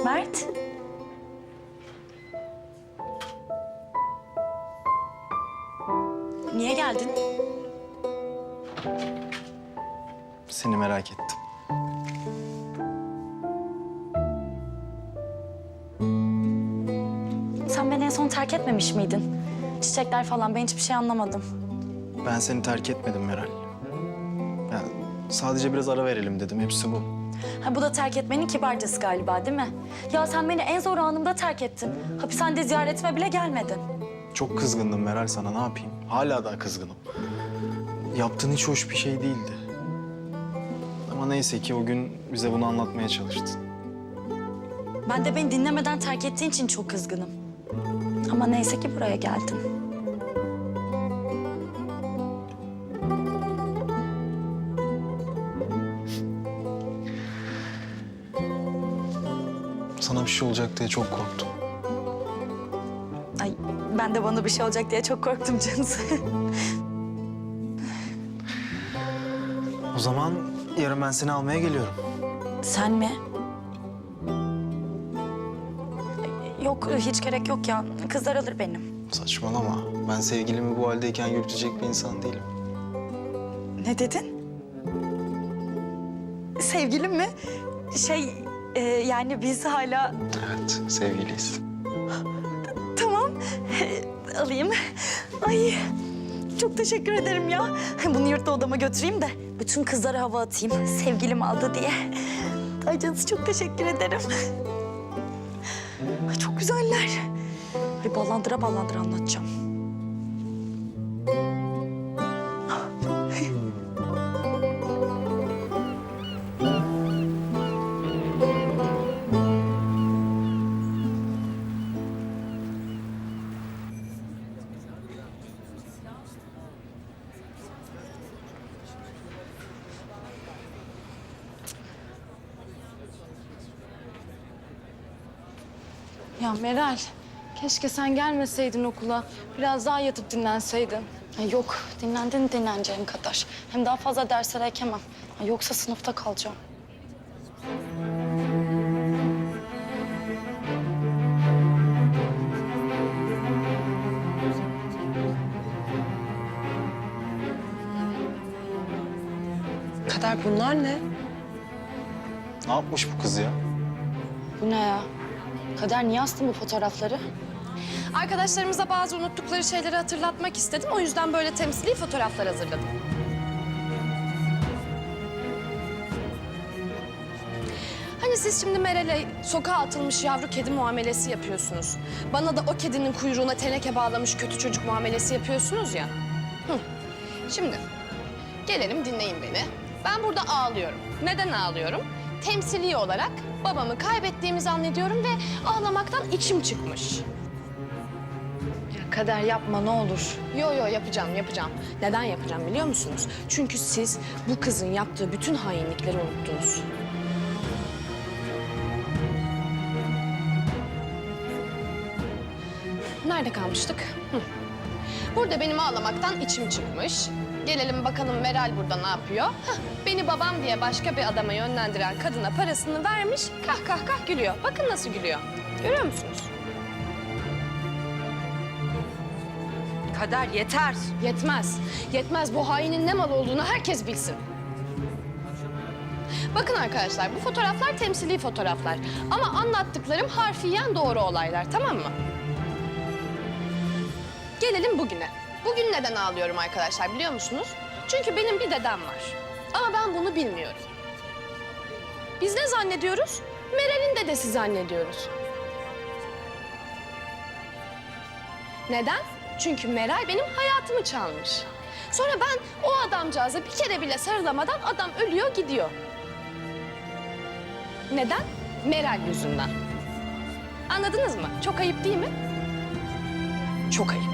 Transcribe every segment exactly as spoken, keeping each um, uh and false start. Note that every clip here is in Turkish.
Mert. Niye geldin? Seni merak ettim. Sen beni en son terk etmemiş miydin? Çiçekler falan, ben hiçbir şey anlamadım. Ben seni terk etmedim Meral. Yani sadece biraz ara verelim dedim. Hepsi bu. Ha, bu da terk etmenin kibarcası galiba, değil mi? Ya sen beni en zor anımda terk ettin. Hapishanede ziyaretime bile gelmedin. Çok kızgındım Meral sana. Ne yapayım? Hala daha kızgınım. Yaptığın hiç hoş bir şey değildi. Ama neyse ki o gün bize bunu anlatmaya çalıştın. Ben de beni dinlemeden terk ettiğin için çok kızgınım. Ama neyse ki buraya geldin. Sana bir şey olacak diye çok korktum. Ay, ben de bana bir şey olacak diye çok korktum canısı. O zaman yarın ben seni almaya geliyorum. Sen mi? Yok, hiç gerek yok ya. Kızlar alır benim. Saçmalama. Ben sevgilimi bu haldeyken yürütecek bir insan değilim. Ne dedin? Sevgilim mi? Şey, e, yani biz hala... Evet, sevgiliyiz. Tamam, alayım. Ay, çok teşekkür ederim ya. Bunu yurtta odama götüreyim de bütün kızlara hava atayım. Sevgilim aldı diye. Ay canısı, çok teşekkür ederim. Ay, çok güzeller. Bir ballandıra ballandıra anlatacağım. Ya Meral, keşke sen gelmeseydin okula. Biraz daha yatıp dinlenseydin. Ay yok, dinlendin dinleneceğin kadar. Hem daha fazla derslere ekemem. Ay, yoksa sınıfta kalacağım. Kader, bunlar ne? Ne yapmış bu kız ya? Bu ne ya? Kader, niye astın bu fotoğrafları? Arkadaşlarımıza bazı unuttukları şeyleri hatırlatmak istedim. O yüzden böyle temsili fotoğraflar hazırladım. Hani siz şimdi Meral'e sokağa atılmış yavru kedi muamelesi yapıyorsunuz. Bana da o kedinin kuyruğuna teneke bağlamış kötü çocuk muamelesi yapıyorsunuz ya. Hı. Şimdi gelelim, dinleyin beni. Ben burada ağlıyorum. Neden ağlıyorum? Temsili olarak babamı kaybettiğimi zannediyorum ve ağlamaktan içim çıkmış. Ya Kader, yapma ne olur. Yo yo yapacağım, yapacağım. Neden yapacağım biliyor musunuz? Çünkü siz bu kızın yaptığı bütün hainlikleri unuttunuz. Nerede kalmıştık? Hı. Burada benim ağlamaktan içim çıkmış. Gelelim bakalım Meral burada ne yapıyor? Hah, beni babam diye başka bir adama yönlendiren kadına parasını vermiş, kah kah kah gülüyor. Bakın nasıl gülüyor. Görüyor musunuz? Kader, yeter. Yetmez. Yetmez. Bu hainin ne mal olduğunu herkes bilsin. Bakın arkadaşlar, bu fotoğraflar temsili fotoğraflar. Ama anlattıklarım harfiyen doğru olaylar, tamam mı? Gelelim bugüne. Bugün neden ağlıyorum arkadaşlar biliyor musunuz? Çünkü benim bir dedem var. Ama ben bunu bilmiyorum. Biz ne zannediyoruz? Meral'in dedesi zannediyoruz. Neden? Çünkü Meral benim hayatımı çalmış. Sonra ben o adamcağıza bir kere bile sarılamadan adam ölüyor gidiyor. Neden? Meral yüzünden. Anladınız mı? Çok ayıp değil mi? Çok ayıp.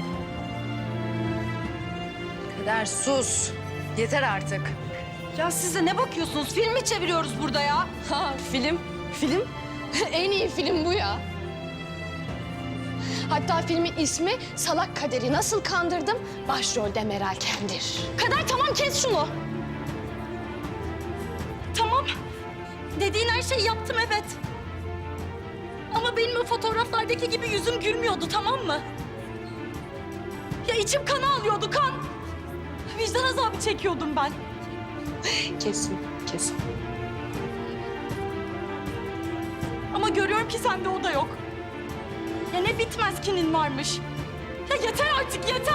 Kader, sus. Yeter artık. Ya siz de ne bakıyorsunuz? Film mi çeviriyoruz burada ya? Ha, film, film. En iyi film bu ya. Hatta filmin ismi Salak Kader'i Nasıl Kandırdım? Başrolde Meral Kendir. Kader, tamam, kes şunu. Tamam. Dediğin her şeyi yaptım, evet. Ama benim o fotoğraflardaki gibi yüzüm gülmüyordu, tamam mı? Ya içim kan ağlıyordu, kan. Vicdan azabı çekiyordum ben. Kesin, kesin. Ama görüyorum ki sende o da yok. Ya ne bitmez kinin varmış. Ya yeter artık, yeter!